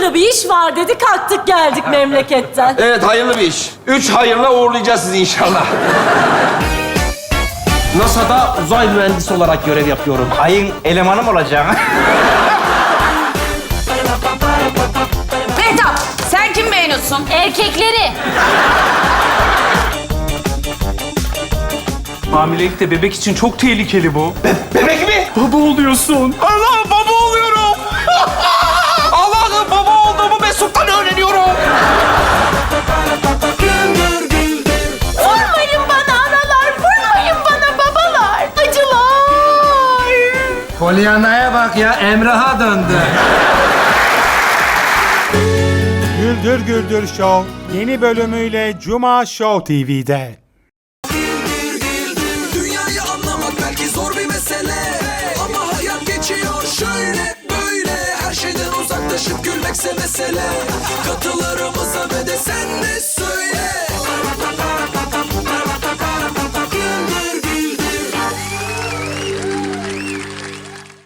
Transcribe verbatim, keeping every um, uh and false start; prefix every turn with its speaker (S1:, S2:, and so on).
S1: hayırlı bir iş var dedi, kalktık geldik memleketten.
S2: Evet, hayırlı bir iş. Üç hayırla uğurlayacağız sizi inşallah. NASA'da uzay mühendisi olarak görev yapıyorum.
S3: Ayın elemanı mı olacağım?
S4: Mehtap, sen kim beğeniyorsun?
S1: Erkekleri.
S5: Hamilelikte bebek için çok tehlikeli bu.
S2: Bebek mi?
S5: Baba oluyorsun.
S2: Allah, baba oluyorum. Allah'ım, baba olduğumu Mesut'tan öğreniyorum.
S1: Vurmayın bana analar, vurmayın bana babalar. Acılar.
S6: Polyana'ya bak ya, Emrah'a döndü.
S7: Güldür Güldür Show yeni bölümüyle Cuma Show T V'de.
S8: Dünyayı anlamak belki zor bir mesele, ama hayat geçiyor şöyle böyle. Her şeyden uzaklaşıp gülmekse mesele. Katılın